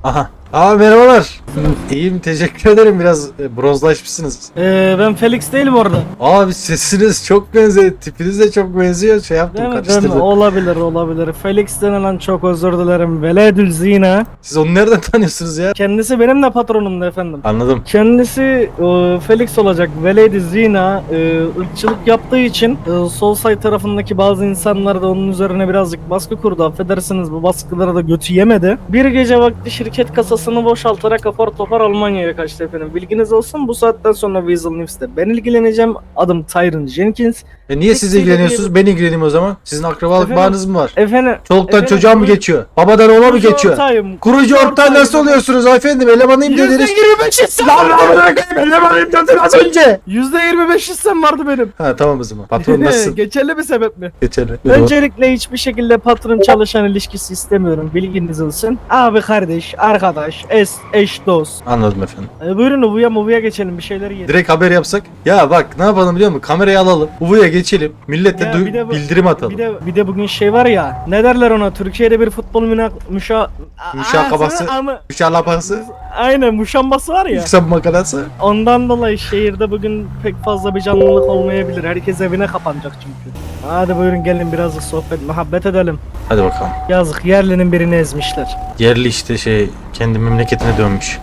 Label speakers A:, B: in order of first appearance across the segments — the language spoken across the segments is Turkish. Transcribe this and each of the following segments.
A: Aha. Aa merhabalar. İyiyim teşekkür ederim biraz bronzlaşmışsınız.
B: Ben Felix değilim orada.
A: Abi sesiniz çok benziyor. Tipiniz de çok benziyor. Şey yaptım
B: Değil mi?
A: karıştırdım.
B: Olabilir. Felix denilen çok özür dilerim. Veledül zina.
A: Siz onu nereden tanıyorsunuz ya?
B: Kendisi benim de patronumdu efendim.
A: Anladım.
B: Kendisi Felix olacak. Veledi zina ırkçılık yaptığı için Soulside tarafındaki bazı insanlar da onun üzerine birazcık baskı kurdu. Affedersiniz bu baskılara da götü yemedi. Bir gece vakti şirket kasasını boşaltarak apar topar Almanya'ya kaçtı efendim. Bilginiz olsun bu saatten sonra Weasel News'te ben ilgileneceğim. Adım Tyron Jenkins.
A: Niye siz ilgileniyorsunuz? Ben ilgileneyim o zaman. Sizin akrabalık
B: Efendim?
A: bağınız mı var?
B: Efendim.
A: Çoluktan çocuğa mı geçiyor? Babadan oğula mı geçiyor? Kurucu ortağı nasıl oluyorsunuz efendim? Elemanıyım dediniz.
B: %25 hissem
A: Lan
B: vardı.
A: lan bırakayım elemanıyım dedin az önce.
B: %25 hissem vardı benim.
A: Ha tamam o zaman. Patron nasılsın?
B: Geçerli bir sebep mi?
A: Geçerli.
B: Öncelikle hiçbir şekilde patron çalışan ilişkisi istemiyorum. Bilginiz olsun. Abi kardeş, arkadaş, eş dost.
A: Anladım efendim.
B: Buyurun Uvu'ya geçelim bir şeyler yiyelim.
A: Direkt haber yapsak. Ya bak ne yapalım biliyor musun? Kamerayı alalım. Uvu'ya geçelim. Millete
B: Ya bir de bu-
A: bildirim atalım.
B: Bir de bugün şey var ya. Ne derler ona? Türkiye'de bir futbol
A: Müşakabası. Müşalapası.
B: Aynen muşambası var ya.
A: Yüksek makarası.
B: Ondan dolayı şehirde bugün pek fazla bir canlılık olmayabilir. Herkes evine kapanacak çünkü. Hadi buyurun gelin birazcık sohbet, muhabbet edelim.
A: Hadi bakalım.
B: Yazık yerlinin birini ezmişler.
A: Yerli işte kendi memleketine dönmüş.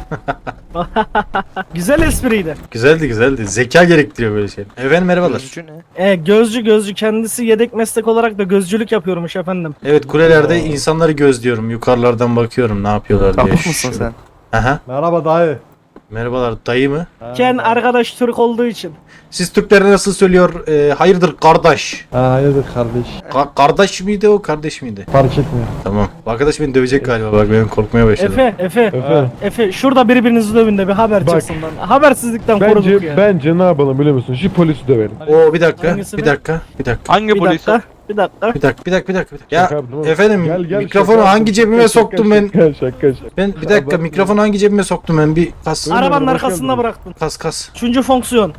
B: Güzel espriydi.
A: Güzeldi. Zeka gerektiriyor böyle şey. Efendim merhabalar.
B: Gözcü kendisi yedek meslek olarak da gözcülük yapıyormuş efendim.
A: Evet kulelerde insanları gözlüyorum. Yukarılardan bakıyorum ne yapıyorlar diye.
C: Kapık mısın sen?
A: Aha.
D: Merhaba dayı.
A: Merhabalar dayı mı?
B: Ken arkadaş Türk olduğu için.
A: Siz Türklere nasıl söylüyor? Hayırdır kardeş?
D: Hayırdır kardeş.
A: Kardeş miydi o kardeş miydi?
D: Fark etmiyor.
A: Tamam. Bu arkadaş beni dövecek galiba bak ben korkmaya başladım.
B: Efe şurada birbirinizi dövün de bir haber
D: Bak.
B: çıksın lan. Habersizlikten koruduk ya.
D: Bence ne yapalım biliyor musun? Şu polisi dövelim.
A: Oo bir dakika.
B: Hangisi
A: Bir
B: be?
A: dakika.
C: Hangi
B: Bir
C: polis?
B: dakika. Bir dakika.
A: Bir dakika. Ya
D: Şaka yaptım oğlum.
A: efendim
D: Gel,
A: mikrofonu
D: şaka
A: hangi
D: yaptım.
A: cebime
D: Şaka,
A: soktum ben?
D: Şaka.
A: Ben bir dakika
D: bak-
A: mikrofonu hangi cebime soktum ben? Bir kas.
D: Öyle
B: Arabanın
D: mi?
B: arkasında
D: Bakıyorum.
B: bıraktın.
A: Kas.
B: Üçüncü fonksiyon.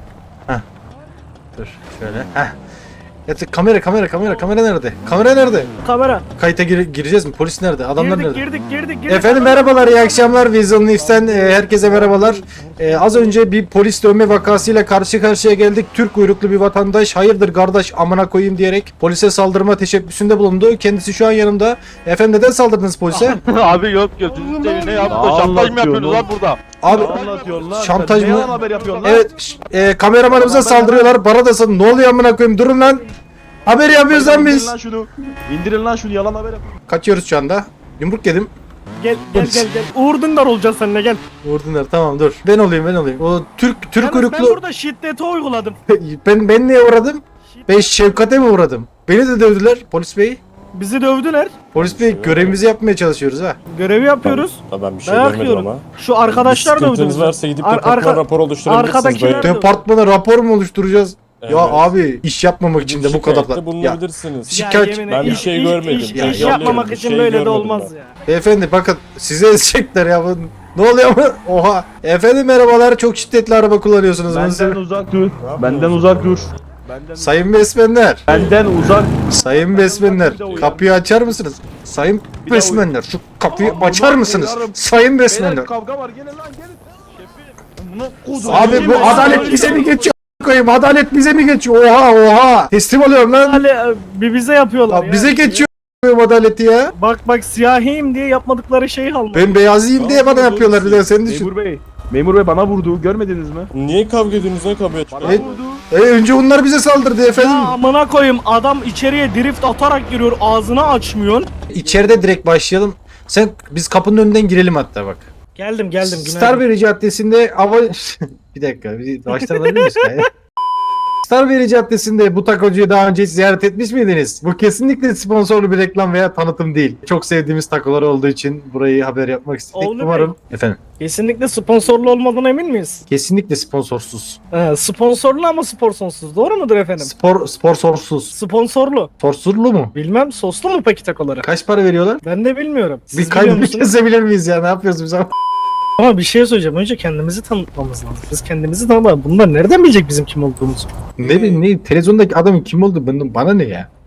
A: Dur şöyle. Heh. Ya kamera nerede? Kamera nerede?
B: Kamera.
A: Kayıta gireceğiz mi? Polis nerede? Adamlar nerede?
B: Girdik.
A: Efendim merhabalar, iyi akşamlar. Weasel News'ten herkese merhabalar. Az önce bir polis dövme vakasıyla karşı karşıya geldik. Türk uyruklu bir vatandaş hayırdır kardeş amına koyayım diyerek polise saldırma teşebbüsünde bulundu. Kendisi şu an yanımda. Efendim neden saldırdınız polise?
C: Abi yok. Siz ne yaptı? Şantaj mı yapıyorsunuz lan burada?
A: Abi
D: Anlatıyorsun lan.
A: şantaj
D: Sen
A: mı?
D: ne yalan haber yapıyorsun lan?
A: Evet kameramanımıza saldırıyorlar. Bana da ne oluyor amına koyayım? Durun lan. Haber yapıyoruz lan
D: İndirin
A: biz.
D: lan şunu. İndirin lan şunu yalan haber yapıyorsun.
A: Kaçıyoruz şu anda. Yumruk yedim.
B: Gel. Uğur Dündar olacaksın seninle gel.
A: Vurdular tamam dur. Ben olayım. O Türk
B: Yalnız ben
A: uyruklu.
B: burada şiddeti uyguladım.
A: Ben neye uğradım? Ben Şevkat'e mi uğradım? Beni de dövdüler polis bey.
B: Bizi dövdüler.
A: Polis bey görevimizi yapmaya çalışıyoruz ha.
B: Görevi yapıyoruz.
E: Ben bir şey
B: Dayak
E: görmedim
B: yiyorum.
E: ama.
B: Şu arkadaşlar
E: Bir
B: dövdü
E: sıkıntınız
B: bizi.
E: varsa gidip
B: Ar-
E: departman
B: arka-
E: rapor oluşturabilirsiniz.
B: arkadakiler-
E: dayı.
A: Departmana rapor mu oluşturacağız?
E: Evet.
A: Ya abi iş yapmamak için de bu kadar da.
E: Şikayette
A: Ya,
E: bulunabilirsiniz.
B: Ya
A: şikayet-
B: yemin
E: Ben bir
B: iş-
E: şey
B: iş-
E: görmedim.
B: iş-
E: Ya,
B: iş
E: yalıyorum,
B: yapmamak
E: bir
B: için
E: şey
B: böyle de
E: görmedim
B: olmaz
E: ben.
B: ya.
A: beyefendi bakın size ezecekler ya. Ne oluyor mu? Oha. Efendim merhabalar çok şiddetli araba kullanıyorsunuz.
D: Benden uzak dur. Benden uzak dur.
A: Sayın besmenler.
D: Benden uzak.
A: Sayın besmenler. Kapıyı açar mısınız? Sayın
D: Bir daha
A: besmenler şu kapıyı
D: Aa,
A: açar
D: Allah
A: mısınız?
D: belanı-
A: Sayın besmenler.
D: Beyler kavga var gelin lan gelin.
A: Abi bu adalet bize mi geçiyor? Koyayım adalet bize mi geçiyor? Oha. Teslim oluyorum lan.
B: Hali bir bize yapıyorlar
A: Abi
B: ya.
A: bize geçiyor adaleti ya.
B: Bak siyahiyim diye yapmadıkları şeyi alma.
A: Ben beyazıyım diye bana yapıyorlar bir de senin düşün.
D: Memur bey bana vurdu görmediniz mi?
E: Niye kavga ediyorsunuz? Ne kavga
A: Evet. Önce onlar bize saldırdı efendim.
B: Ya amına koyayım adam içeriye drift atarak giriyor ağzını açmıyorsun.
A: İçeride direkt başlayalım. Biz kapının önünden girelim hatta bak.
B: Geldim günaydın.
A: Starberry Caddesi'nde bir dakika bir baştan alabilir miyiz? Starberry Caddesi'nde bu takocuyu daha önce hiç ziyaret etmiş miydiniz? Bu kesinlikle sponsorlu bir reklam veya tanıtım değil. Çok sevdiğimiz takolar olduğu için burayı haber yapmak istedik.
B: Oğlu
A: Umarım. Efendim.
B: Kesinlikle sponsorlu olmadığına emin miyiz?
A: Kesinlikle sponsorsuz.
B: Sponsorlu ama sporsonsuz. Doğru mudur efendim?
A: Sponsorsuz.
B: Sponsorlu.
A: Sponsorlu mu?
B: Bilmem soslu mu peki takoları?
A: Kaç para veriyorlar?
B: Ben de bilmiyorum. Siz
A: Bir
B: biliyor
A: kaydını
B: musunuz?
A: kesebilir miyiz ya? Ne yapıyoruz biz?
B: Ama bir şey söyleyeceğim. Önce kendimizi tanıtmamız lazım. Biz kendimizi tanıtalım. Bunlar nereden bilecek bizim kim olduğumuzu?
A: Ne bileyim ne televizyondaki adamın kim oldu bana ne ya?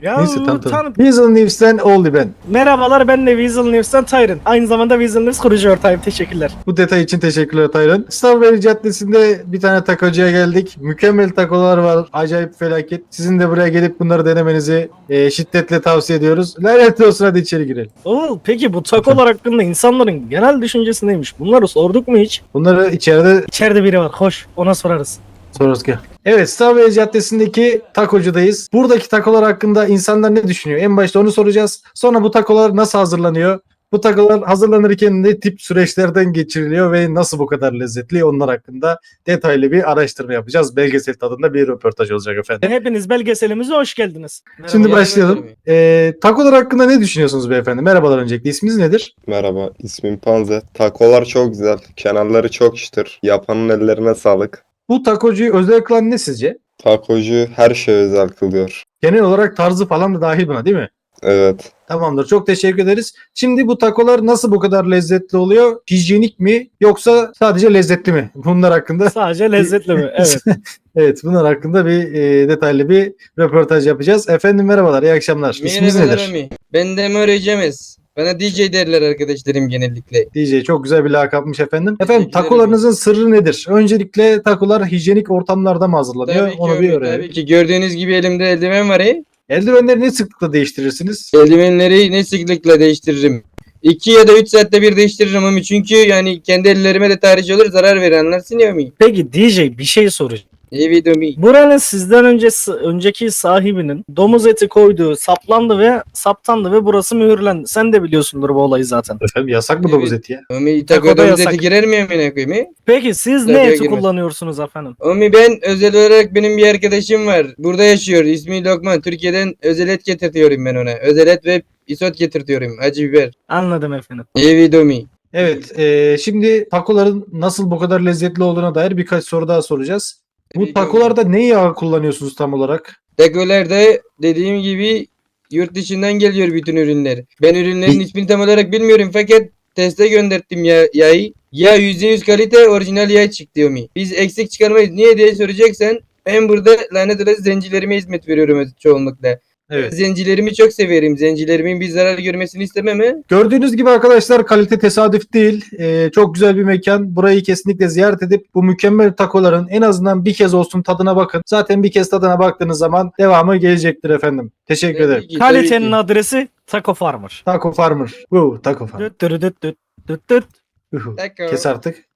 B: Ya
A: Neyse tamam.
B: tanı-
A: Weasel News'ten oldu ben.
B: Merhabalar, ben de Weasel News'tan Tyron. Aynı zamanda Weasel News kurucu ortağıyım. Teşekkürler.
A: Bu detay için teşekkürler Taylan. Strawberry Caddesi'nde bir tane takocuya geldik. Mükemmel takolar var. Acayip felaket. Sizin de buraya gelip bunları denemenizi şiddetle tavsiye ediyoruz. Lanet olsun, hadi içeri girelim.
B: Oo, peki bu takolar hakkında insanların genel düşüncesi neymiş? Bunları sorduk mu hiç?
A: Bunları içeride
B: İçeride biri var. Hoş. Ona sorarız.
A: sorarız ki. Evet, Strawberry Caddesi'ndeki takocudayız. Buradaki takolar hakkında insanlar ne düşünüyor? En başta onu soracağız. Sonra bu takolar nasıl hazırlanıyor? Bu takolar hazırlanırken ne tip süreçlerden geçiriliyor ve nasıl bu kadar lezzetli, onlar hakkında detaylı bir araştırma yapacağız. Belgesel tadında bir röportaj olacak efendim.
B: Hepiniz belgeselimize hoş geldiniz.
A: Şimdi
B: Merhaba.
A: başlayalım. Takolar hakkında ne düşünüyorsunuz beyefendi? Merhabalar öncelikle. İsminiz nedir?
F: Merhaba, ismim Panze. Takolar çok güzel, kenarları çok çıtır. Yapanın ellerine sağlık.
A: Bu takocuyu özel kılan ne sizce?
F: Takocu her şey özel kılıyor.
A: Genel olarak tarzı falan da dahil buna, değil mi?
F: Evet,
A: Tamamdır. Çok teşekkür ederiz. Şimdi bu takolar nasıl bu kadar lezzetli oluyor? Hijyenik mi yoksa sadece lezzetli mi? Bunlar hakkında
B: Sadece lezzetli mi? Evet.
A: evet, bunlar hakkında bir detaylı bir röportaj yapacağız. Efendim merhabalar, iyi akşamlar. İsminiz
G: Merhabalar
A: nedir?
G: Ami. Ben de Ömer Cemez. Bana DJ derler arkadaşlarım genellikle.
A: DJ, çok güzel bir lakapmış efendim. Efendim
G: Teşekkür ederim.
A: takolarınızın sırrı nedir? Öncelikle takolar hijyenik ortamlarda mı hazırlanıyor?
G: Tabii ki
A: Onu bir
G: Ömer,
A: öğrenelim.
G: tabii ki. Gördüğünüz gibi elimde eldiven var.
A: Eldivenleri ne sıklıkla değiştirirsiniz?
G: Eldivenleri ne sıklıkla değiştiririm. 2 ya da 3 saatte bir değiştiririm Ami. Çünkü yani kendi ellerime de tarih olur, zarar verir, anlarsın ya Ami.
B: Peki DJ, bir şey soracağım.
G: Evet Ami.
B: Buranın sizden önceki sahibinin domuz eti koyduğu saplandı ve saptandı ve burası mühürlendi. Sen de biliyorsundur bu olayı zaten.
A: Efendim yasak mı
G: Evet.
A: domuz eti ya?
G: Ami
B: Takoda
G: takoda
B: yasak.
G: eti girer mi amına koyayım?
B: Peki siz ne
G: Tabii
B: eti
G: girmez.
B: kullanıyorsunuz efendim?
G: Ami ben özel olarak benim bir arkadaşım var. Burada yaşıyor. İsmi Lokman. Türkiye'den özel et getirtiyorum ben ona. Özel et ve isot getirtiyorum. Acı biber.
B: Anladım efendim.
G: Evet Ami.
A: Evet, şimdi takoların nasıl bu kadar lezzetli olduğuna dair birkaç soru daha soracağız. Bu
G: Tabii ki
A: takolarda ne yağı kullanıyorsunuz tam olarak?
G: Takolarda dediğim gibi yurt dışından geliyor bütün ürünler. Ben ürünlerin ismini tam olarak bilmiyorum fakat teste gönderttim yağı. Ya %100 kalite orijinal yağ çıktı Yomi. Biz eksik çıkarmayız. Niye diye soracaksan ben burada lanet olası zencilerime hizmet veriyorum çoğunlukla.
A: Evet.
G: Zencilerimi çok severim. Zencilerimin bir zarar görmesini istemem he.
A: Gördüğünüz gibi arkadaşlar, kalite tesadüf değil. Çok güzel bir mekan. Burayı kesinlikle ziyaret edip bu mükemmel takoların en azından bir kez olsun tadına bakın. Zaten bir kez tadına baktığınız zaman devamı gelecektir efendim. Teşekkür ederim.
G: Tabii ki, tabii
B: Kalitenin
G: ki.
B: adresi Taco Farmer.
A: Taco Farmer. Taco Farmer.
B: Düt dürü düt düt düt düt.
A: Uhu.
G: Taco.
A: Kes artık.